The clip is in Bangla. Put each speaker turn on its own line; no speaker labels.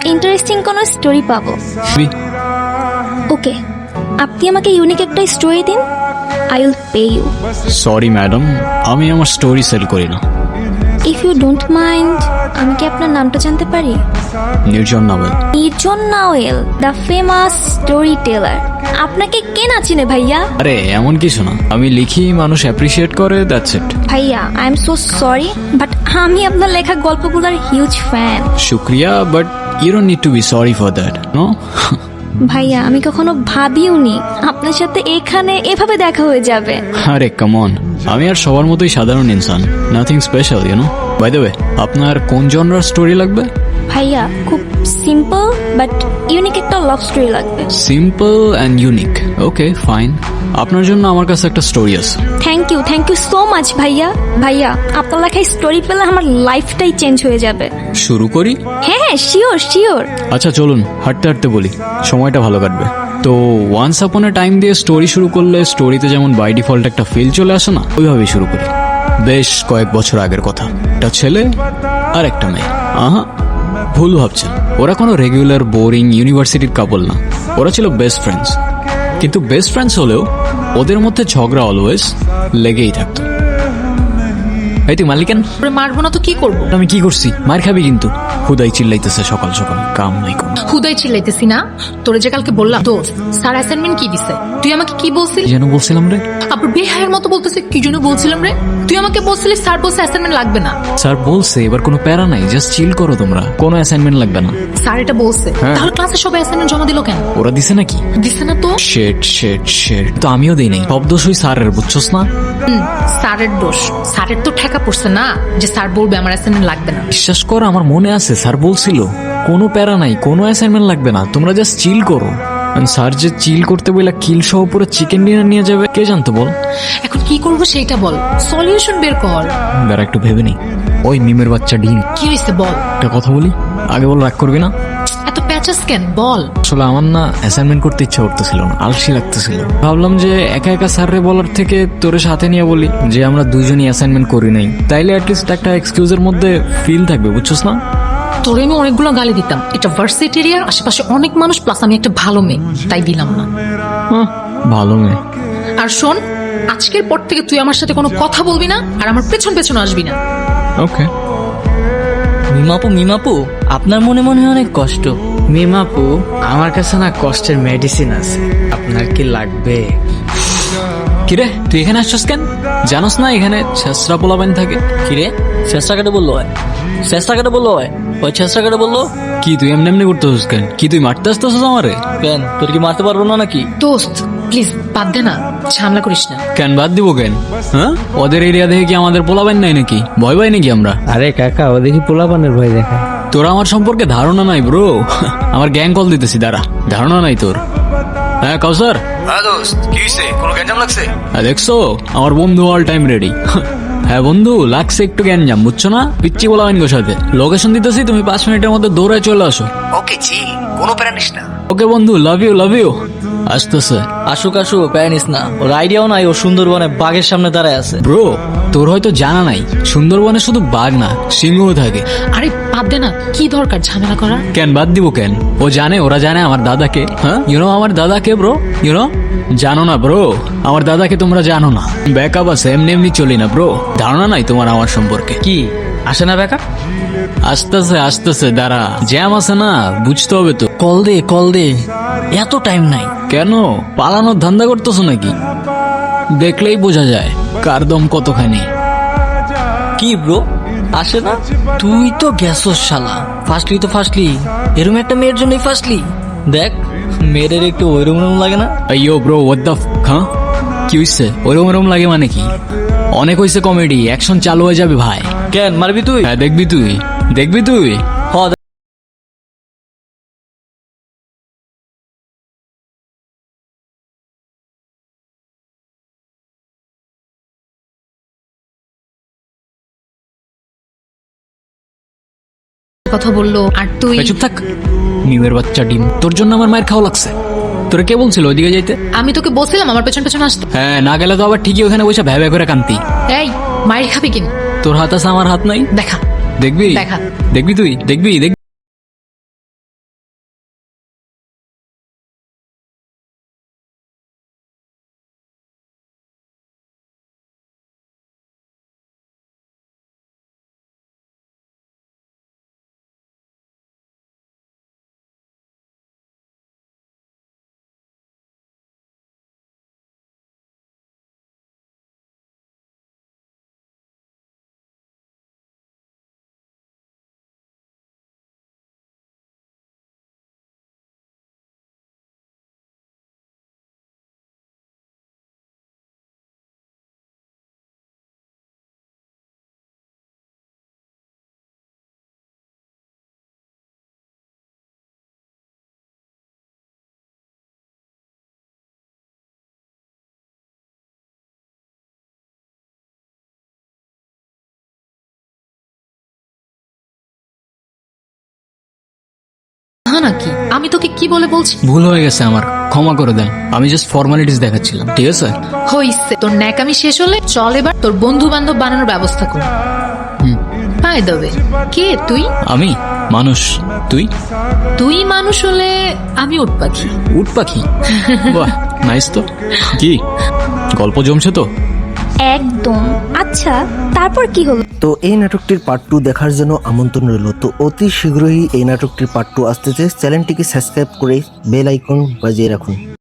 ইন্টারেস্টিং কোনো স্টোরি পাবো। ওকে, আপনি আমাকে ইউনিক একটা স্টোরি দিন, I will pay you.
Sorry madam, আমি আমার স্টোরি সেল করি না।
ইফ ইউ ডোন্ট মাইন্ড, আমি কি আপনার নামটা জানতে পারি?
Nirjon Nawel.
Nirjon Nawel, the famous storyteller. আপনাকে কে না চিনে ভাইয়া?
আরে এমন কিছু না, আমি লিখি, মানুষ অ্যাপ্রিসিয়েট করে, দ্যাটস ইট।
ভাইয়া, I am so sorry, but আমি আপনার লেখা গল্পগুলোর হিউজ ফ্যান।
শুক্রিয়া, but you don't need to be sorry for that, no.
ভাইয়া, আমি কখনো ভাবিওনি আপনার সাথে এখানে এভাবে দেখা হয়ে যাবে।
আরে কাম অন, আমি আর সবার মতোই সাধারণ ইনসান, nothing special, you know. By the way, আপনার কোন জনরার স্টোরি লাগবে?
ভাইয়া, খুব সিম্পল বাট ইউনিক একটা লাভ স্টোরি লাগবে।
Simple and unique, okay fine. আপনার জন্য আমার কাছে একটা স্টোরি আছে।
থ্যাংক ইউ সো মাচ ভাইয়া। ভাইয়া, আপনার লেখায় স্টোরি পেলে আমার লাইফটাই চেঞ্জ হয়ে যাবে।
শুরু করি?
হ্যাঁ, শিওর।
আচ্ছা চলুন, হাঁটতে হাঁটতে বলি, সময়টা ভালো কাটবে। তো ওয়ান্স আপন এ টাইম দিয়ে স্টোরি শুরু করলে স্টোরিতে যেমন বাই ডিফল্ট একটা ফিল চলে আসে না, ওইভাবেই শুরু করি। বেশ কয়েক বছর আগের কথা, একটা ছেলে আর একটা মেয়ে। আহা, ভুল ভাবছেন, ওরা কোনো রেগুলার বোরিং ইউনিভার্সিটির কাপল না, ওরা ছিল বেস্ট ফ্রেন্ডস। কিন্তু বেস্ট ফ্রেন্ডস হলেও ওদের মধ্যে ঝগড়া অলওয়েজ লেগেই থাকতো। এই তুই মালিকেন
মারবো না তো কি করবো?
আমি কি করছি? মার খাবি কিন্তু। হুদাই চিল্লাইতেছে সকাল সকাল, কাম নাই কোন।
হুদাই চিল্লাইতেছি না, তোরে যে কালকে বললাম দোস্ত স্যার অ্যাসাইনমেন্ট কি দিছে, তুই আমাকে কি বলছিলি
যেন বলছিলাম রে?
আবার বেহায়ের মতো বলতেছে কি জন্য বলছিলাম রে? তুই আমাকে বলছিলি স্যার বলছে অ্যাসাইনমেন্ট লাগবে না।
স্যার বলছে এবার কোনো প্যারা নাই, জাস্ট চিল করো তোমরা, কোনো অ্যাসাইনমেন্ট লাগবে না।
স্যার এটা বলছে,
হ্যাঁ।
তাহলে ক্লাসে সবাই অ্যাসাইনমেন্ট জমা দিল কেন?
ওরা দিছে নাকি?
দিছে না তো।
শেট তো আমিও দিই নাই, সব দোষ ওই স্যারের, বুঝছস না?
স্যারের দোষ, স্যারের তো ঠেকা পড়ছে না যে স্যার বলবে আমার অ্যাসাইনমেন্ট লাগবে না।
বিশ্বাস কর, আমার মনে আছে স্যার বলছিল কোনো প্যারা নাই, কোনো অ্যাসাইনমেন্ট লাগবে না, তোমরা জাস্ট চিল করো। স্যার যে চিল করতে বইলা কিল সহ পুরো চিকেন ডিনার নিয়ে যাবে, কে জানতো বল?
এখন কি করবো সেইটা বল, সলিউশন বের কর।
দাঁড়া একটু ভেবে নেই। ওই মিমের বাচ্চা ডিম,
কি হয়েছে বল?
একটা কথা বলি, আগে বল, রাগ করবি না?
এত প্যাচাস কেন বল?
আসলে আমার না অ্যাসাইনমেন্ট করতে ইচ্ছা করতেছিল না, আলসি লাগতেছিল। ভাবলাম যে একা একা স্যাররে বলার থেকে তোরে সাথে নিয়ে বলি যে আমরা দুইজনই অ্যাসাইনমেন্ট করি নাই, তাইলে অ্যাটলিস্ট একটা এক্সকিউজের মধ্যে ফিল থাকবে, বুঝছস না?
তোরে আমি অনেকগুলো গালি দিতাম, এটা ভার্সিটি এরিয়ার আশেপাশে অনেক মানুষ, প্লাস আমি একটা ভালো মেয়ে, তাই দিলাম না।
ভালো মেয়ে।
আর শোন, আজকের পর থেকে তুই আমার সাথে কোনো কথা বলবি না আর আমার পেছন পেছন আসবি না।
ওকে।
মিমাপু, আপনার মনে মনে হয় অনেক কষ্ট।
মিমাপু, আমার কাছে না কষ্টের মেডিসিন আছে, আপনার কি লাগবে?
কিরে তুই এখানে আসছস কেন? জানোস না এখানে ছেসরা পোলাবেন থাকে?
কিরে, চেষ্টা কেটে বললো হয়? চেষ্টা কেটে বললো হয়? ওই চেষ্টা কেটে বললো
কি তুই এমনি এমনি করতেছিস কেন? কি তুই মারতে আসতেছিস আমারে?
কেন, তোর কি মারতে পারবো না নাকি?
দোস্ত প্লিজ বাদ দে না, ঝামেলা করিস না।
কেন বাদ দিব কেন? হ্যাঁ, ওদের এরিয়া দেখে কি আমাদের পোলাবেন নাই নাকি? ভয় পাই নাকি আমরা?
আরে কাকা, ও দেখি পোলাপানের ভয় দেখায়।
তোর আমার সম্পর্কে ধারণা নাই ব্রো। আমার গ্যাং কল দিতেছি, দাঁড়া। ধারণা নাই তোর? হ্যাঁ কাউসার।
হ্যাঁ দোস্ত, কি হইছে? কোনো গ্যাঞ্জাম লাগছে?
দেখছো আমার বন্ধু অল টাইম রেডি। হ্যাঁ বন্ধু, লাগছে একটু জ্ঞানজাম, বুঝছো না? পিচ্ছি বলাবেন গো সাথে। লোকেশন দিতেছি, তুমি 5 মিনিটের মধ্যে দৌড়ায় চলে আসো।
ওকে চিল, কোনো প্যারা নিস না।
ওকে বন্ধু, লাভ ইউ। আসতেছে।
আসুক, প্যানিস না। ওর আইডিয়াও নাই ও সুন্দরবনে বাঘের সামনে দাঁড়ায় আছে।
ব্রো, তোর হয়তো জানা নাই, সুন্দরবনে শুধু বাঘ না, সিংহ থাকে।
আরে বাদ দে না, কি দরকার ঝামেলা করা?
কেন বাদ দিব কেন? ওরা জানে আমার দাদাকে। হ্যাঁ, ইউনো আমার দাদাকে ব্রো, ইউনো? জানো না ব্রো, আমার দাদাকে তোমরা জানো না। ব্যাকআপ আছে, এমনি এমনি চলি না ব্রো। ধারণা নাই তোমার আমার সম্পর্কে।
কি আসে না ব্যাকআপ?
আসতেছে, দাঁড়া। জ্যাম আছে না, বুঝতে হবে তো।
কল দে, এত টাইম নাই।
কেন পালানোর ধান্দা করতেছো নাকি? দেখলেই বোঝা যায় কার দম কতখানি।
কি ব্রো, আসে না? তুই তো গেছস শালা, ফার্স্টলি এরকম একটা মেয়ের জন্যই ফার্স্টলি। দেখ, মেয়েদের একটু ওইরকম লাগে না?
আইয়ো ব্রো, হোয়াট দ্য হ্যাঁ, কি হইছে? ওরকম লাগে মানে কি? অনেক হইছে কমেডি, অ্যাকশন চালু হয়ে যাবে ভাই।
কেন মারবি তুই?
হ্যাঁ দেখবি তুই।
হ,
কথা বললো আর তুই?
চুপ থাক, নিমের বাচ্চা ডিম। তোর জন্য আমার মায়ের খাওয়া লাগছে। তোরা কে বলছিল ওইদিকে যাইতে?
আমি তোকে বলছিলাম আমার পেছন পেছন আসতে।
হ্যাঁ, না গেলে তো আবার ঠিকই ওখানে বসে ভ্যাবে করে কান্তি।
এই মায়ের খাবি কিনা?
তোর হাত আছে, আমার হাত নাই।
দেখা।
দেখবি তুই।
নাকি? আমি তোকে কি বলে বলছি?
ভুল হয়ে গেছে আমার, ক্ষমা করে দেন। আমি জাস্ট ফর্মালিটিস দেখাচ্ছিলাম, ঠিক আছে?
হইছে, তোর ন্যাকামি শেষ হলে চল এবার তোর বন্ধু বান্ধব বানানোর ব্যবস্থা কর। বাই দ্য ওয়ে, কে তুই?
আমি মানুষ, তুই?
তুই মানুষ হলে আমি উট পাখি।
উট পাখি? বাহ, নাইস তো। কি গল্প জমছে তো?
একদম। আচ্ছা, তারপর কি হলো?
তো এই নাটকটির পার্ট 2 দেখার জন্য আমন্ত্রণ রইল। তো অতি শীঘ্রই এই নাটকটির পার্ট 2 আসতেছে। চ্যানেলটিকে সাবস্ক্রাইব করে বেল আইকন বাজিয়ে রাখুন।